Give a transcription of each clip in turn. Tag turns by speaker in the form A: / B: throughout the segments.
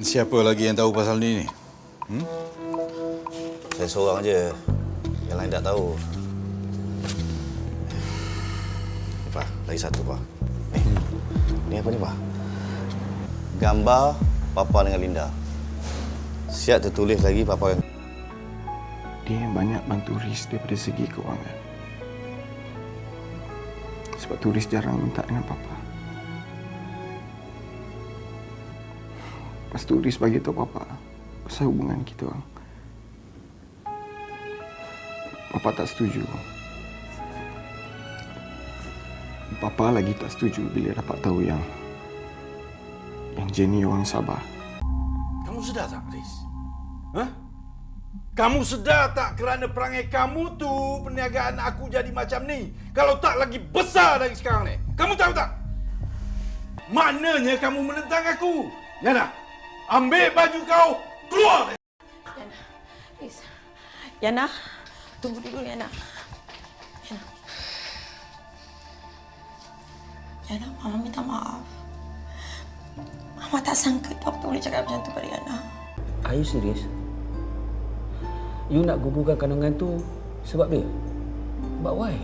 A: Siapa lagi yang tahu pasal ni?
B: Saya seorang je. Yang lain tak tahu. Pak, lagi satu, Pak. Ni apa ni, Pak? Gambar Papa dengan Linda. Siap tertulis lagi Papa yang...
C: Dia yang banyak bantu Riz daripada segi kewangan. Sebab tu Riz jarang minta dengan Papa. Lepas tu Riz bagi tahu Papa pasal hubungan kita orang. Papa tak setuju. Papa lagi tak setuju bila dapat tahu yang Jenny orang sabar.
D: Kamu sedar tak, Riz? Hah? Kamu sedar tak kerana perangai kamu tu perniagaan aku jadi macam ni? Kalau tak lagi besar dari sekarang ni. Kamu tahu tak? Maknanya kamu menentang aku. Yana, ambil baju kau, keluar!
E: Yana, Riz. Yana, tunggu dulu, Yana. Yana, Mama minta maaf. Mama tak sangka doktor boleh cakap macam tu pada Yana.
F: Are you serious? You nak gugurkan kandungan tu sebab dia? But why?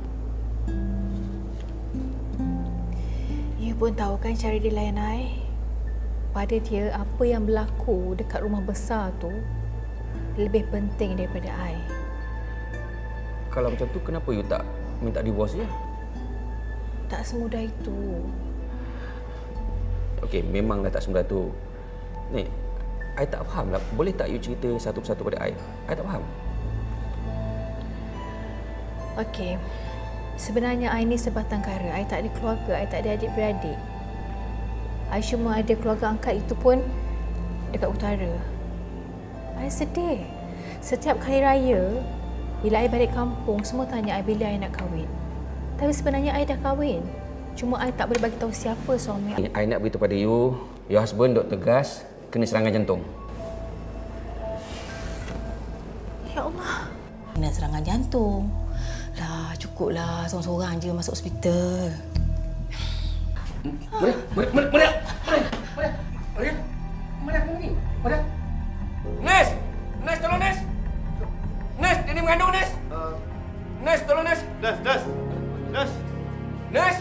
G: You pun tahu kan cara dia layan I. Pada dia, apa yang berlaku dekat rumah besar tu lebih penting daripada I.
F: Kalau macam tu, kenapa you tak minta divorce je?
G: Tak semudah itu.
F: Okey, memanglah tak semudah tu. Ni, I tak faham lah. Boleh tak you cerita satu persatu pada I? I tak faham.
G: Okey. Sebenarnya I ni sebatang kara. I tak ada keluarga, I tak ada adik-beradik. I cuma ada keluarga angkat, itu pun dekat utara. I sedih. Setiap kali raya, bila I balik kampung, semua tanya I bila I nak kahwin. Tapi sebenarnya I dah kahwin. Cuma I tak boleh bagi tahu siapa suami I.
F: I nak beritahu pada you, your husband Dr. Gas kena serangan jantung.
G: Ya Allah.
E: Kena serangan jantung. Dah cukuplah seorang-seorang je masuk hospital.
F: Maria! Nes! Nes, tolong Nes! Nes, dia ni mengandung Nes! Nes, tolong Nes! Nes! Nes!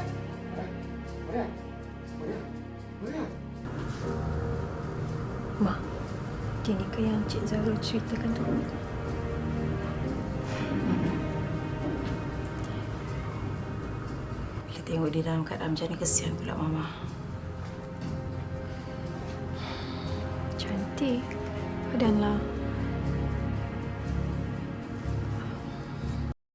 G: Ma, dia ni ke yang Cik Zahra ceritakan tu?
E: Bila tengok dia dalam keadaan macam ni, kesian pula Mama.
G: Cantik. Padanlah.